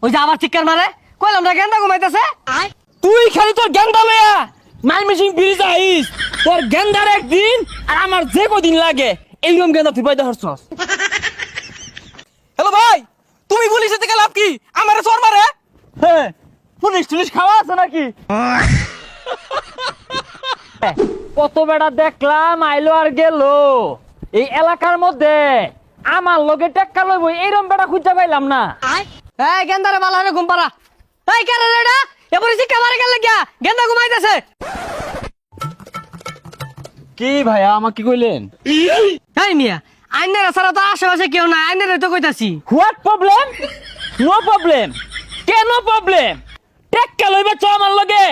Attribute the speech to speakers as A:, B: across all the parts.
A: ওই যে আবার চিৎকার মারে কইলাম না গেন্দা ঘুমাইতেছে।
B: তুই খালি তোর গেন্দা লইয়া মাইমিসিং ব্রিজ আইস, তোর গেন্দার একদিন আর আমার যে কদিন লাগে এইরকম গেন্দা তুই পাইতে হরছস।
C: হ্যালো ভাই, তুমি পুলিশের থেকে লাভ কি? আমারে চোর মারে।
B: হ্যাঁ, পুলিশ টুলিশ খাওয়া আছে নাকি? কত বেড়া দেখলাম আইলো আর গেল, এই এলাকার মধ্যে আমার লগে টেক্কা লইব এইরকম বেড়া খুঁজে পাইলাম না।
A: এই গেন্দারে ভালো হবে ঘুম পাড়া। এই কেন রে এটা এবারে চিৎকার মারে গেল গিয়া গেন্দা ঘুমাইতেছে।
B: কি ভাইয়া আমাকে কইলেন?
A: এই মিয়া আইনের ছাড়া তো আশেপাশে কেউ নাই, আইনের তো কইতাছি।
B: What problem? No problem. কেন প্রবলেম? টেক্কা লইবে চ আমার লগে।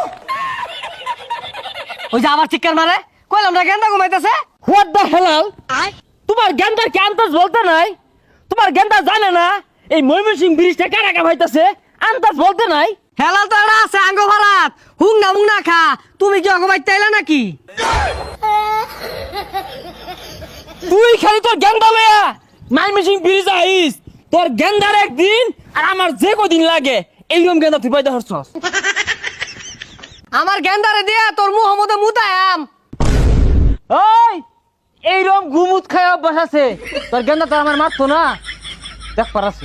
A: ওই যে আবার চিৎকার মারে কইলাম না গেন্দা ঘুমাইতেছে।
B: What the Helal? তোমার গেন্দার কি আন্দাজ বলতে নাই? তোমার গেন্দা জানে না এই ময়মনসিংহ ব্রিজটা কারাকা ভাইতাছে? আন্দাজ বলতে নাই?
A: হেলাল তো এটা আছে আঙ্গ ভাড়াত হুং না খা। তুমি কি ঘুমাইতে আইলা নাকি?
B: তুই খালি তোর গেন্দা লইয়া ময়মনসিংহ ব্রিজ আইস, তোর গেন্দার একদিন আর আমার যে কদিন লাগে এইরকম গেন্দা তুই পাইতে হরছস।
A: আমার গেন্দারে দিয়া তোর মুহ মধ্যে মুতায়াম।
B: ওই এইরকম গুমুত খায় অভ্যাস আছে, তোর গেন্দা তো আমার মারতো না, দেখ পারাছে।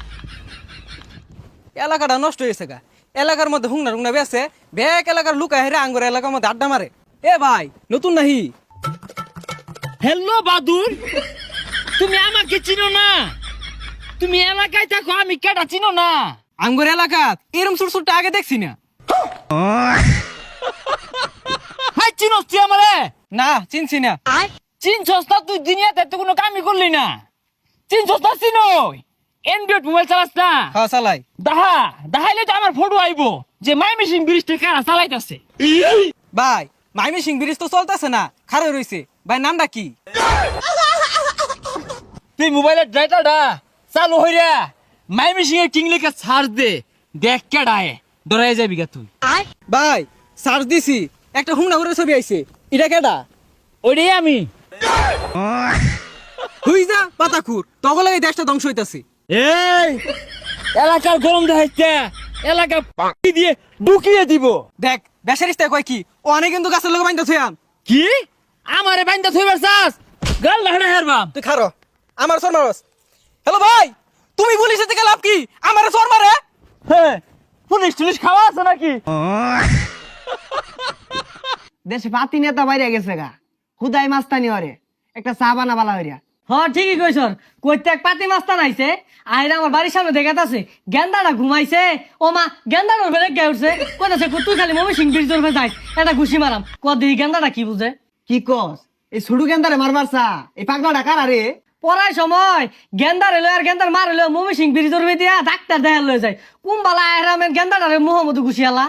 C: এলাকাটা নষ্ট হয়েছে গা। এলাকার মধ্যে হুংনা বেছে ব্যাক এলাকার লুকায় হেরে আঙ্গুর এলাকার মধ্যে আড্ডা মারে। এ ভাই নতুন নাহি?
B: হ্যালো বাদুর, তুমি আমাকে চিনো না? তুমি এলাকায় থাকো, আমি কেটা চিনো না?
C: আঙ্গুর এলাকা এরম ছোট ছোট আগে দেখছি না।
B: হাই চিনোস তুই আমারে?
C: না চিনছি না।
B: চিনছস না? তুই দুনিয়াতে তো কোনো কামই করলি না। চিনছস না? চিনই এন্ড্রয়েড মোবাইল চালাস না?
C: হ্যাঁ চালাই।
B: দেখাইলে তো আমার ফটো আইবো যে ময়মনসিংহ ব্রিজটা কারা চালাইতাছে।
C: ভাই ময়মনসিংহ ব্রিজ তো চলতেছে না, খারে রইছে। ভাই নামটা কি?
B: তুই মোবাইলের ড্রাইটারটা চালু হইরা ময়মনসিংহ কিং লিখে সার্চ দে, দেখ কেডায় ডরাই যাবি গা তুই।
C: ভাই সার্চ দিছি, একটা হুংনা করে ছবি আইছে। এটা কেডা?
B: ওইটাই আমি।
C: হুই যা পাতাকুর, তখন এই দেশটা ধ্বংস হইতাছে।
B: এই এলাকার গরম দেখাইছে, এলাকা পাকি দিয়ে ঢুকিয়ে দিব।
C: দেখ বেসারিস্তা কয় কি, ও অনেক কিন্তু গাছের লোক বাইন্দা থইয়াম।
B: কি আমারে বাইন্দা থইবার চাস? গাল লাহড়া হেরবাম।
C: তুই খারো, আমার চোর মারস। হ্যালো ভাই, তুমি পুলিশের থেকে লাভ কি? আমারে চোর মারে।
B: হ্যাঁ, পুলিশ টুলিশ খাওয়া আছে নাকি?
A: দেশে পাতি নেতা বাইরে গেছে গা, খুদাই মাস্তানি হরে একটা চা বানা বালা হইরা। হ্যাঁ ঠিকই কইছ, কইতে এক পাতি মাস্তান আইছে আইরা আমার বাড়ির সামনে দেখাতাছে গেন্দাটা ঘুমাইছে। ও মা গেন্দার বেলে গে উঠছে, কইতাছে তুই খালি ময়মনসিংহ ব্রিজ ধরে যাইস এটা ঘুষি মারাম। কদি গেন্দাটা কি বুঝে?
D: কি কস? এই ছোট গেন্দারে মারবার চা এই পাগলা ডাকার আরে
A: পড়ার সময় গেন্দার এলো আর গেন্দার মার এলো ময়মনসিংহ ব্রিজ ধরে দিয়া ডাক্তার দেখা লয়ে যায়। কুম্বালা আহরামের গেন্দাটারে মোহাম্মদ ঘুষি আলা।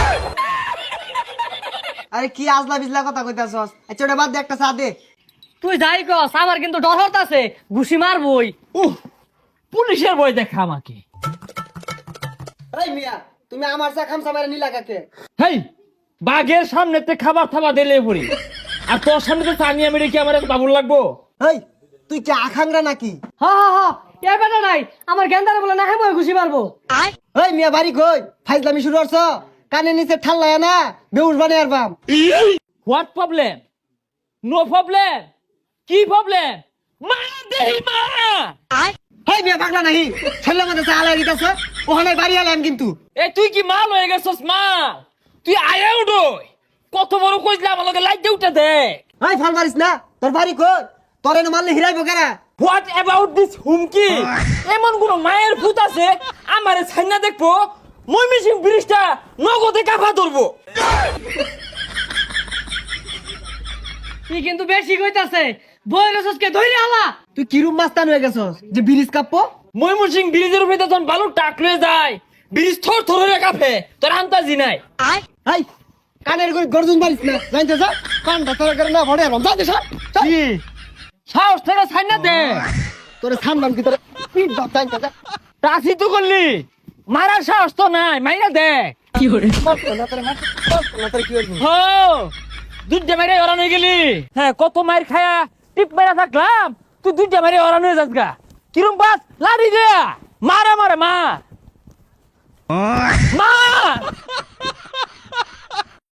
D: আরে কি আজলা বিজলা কথা কইতাছস? আচ্ছা ওটা বাদ দে, একটা চা দে।
A: তুই যাই কস আমার কিন্তু ডর হতাছে, ঘুষি মারবই।
B: পুলিশের বই দেখা আমাকে।
D: এই মিয়া তুমি আমার চা খামসা মারে নিলা কাকে?
B: হেই, বাঘের সামনেতে খাবার থাবা দিলে পড়ি, আর তোর সামনে তো চানিয়া মেরে কি আমার এত বাবুর লাগবো?
D: এই তুই কি আখাংরা নাকি?
A: হ হ হ এ বেটা নাই আমার গেন্দারে বলে না হেময় ঘুষি মারবো।
D: এই মিয়া বাড়ি কই? ফাইজলামি শুরু করছ? কানে নিচে ঠাল্লায় না বেউস বানিয়ে আরবাম।
B: What problem? No problem. কি প্রবলেম? মা দেহি মা।
D: এই মিয়া পাগলা নাহি ছেলে মধ্যে চা আলাই দিতেছ, ওখানে বাড়ি আলাম কিন্তু।
B: এ তুই কি মাল হয়ে গেছস মাল? তুই আয়া উঠোই, কত বড় কইলে আমার লগে লাইট উঠে দেখ।
D: এই ফল মারিস না, তোর বাড়ি কই? তোর এনে মারলে হিরাইব কেরা?
B: হোয়াট অ্যাবাউট দিস হুমকি? এমন কোন মায়ের ভূত আছে আমারে ছাইনা দেখবো ময়মনসিংহ ব্রিজটা নগদে কাফা ধরবো?
A: তুই কিন্তু বেশি কইতাছে, বইরসকে ধইরে আলা।
D: তুই কিরুম মাস্তান হয়ে গেছস যে ব্রিজ কাঁপবো?
B: ময়মনসিংহ ব্রিজের উপরে যখন বালু টাক লয়ে যায় ব্রিজ থর থর হয়ে কাঁপে, তোর আন্তাজি নাই।
D: এই কানের গর্জন মারিস না, জানতে যা কানটা তোর করে না ভরে আরবাম। যা দে সর।
B: কি সাহস থেকে ছাইনা দে?
D: তোরে সামলাম কি তোরে পিট দাও জানতে যা।
B: টাসি তো করলি, মারার সাহস তো নাই, মাইরা দে।
A: কি করে
D: মারতো না তোরে, মারতো না তোরে কি করবি?
B: হো দুধে মেরে ওরান হয়ে গেলি। হ্যাঁ, কত মাইর খায়া টিপ মেরা থাকলাম, তুই দুধে মেরে ওরান হয়ে যাস গা। কিরম বাস লাড়ি দে, মারা মারে মা।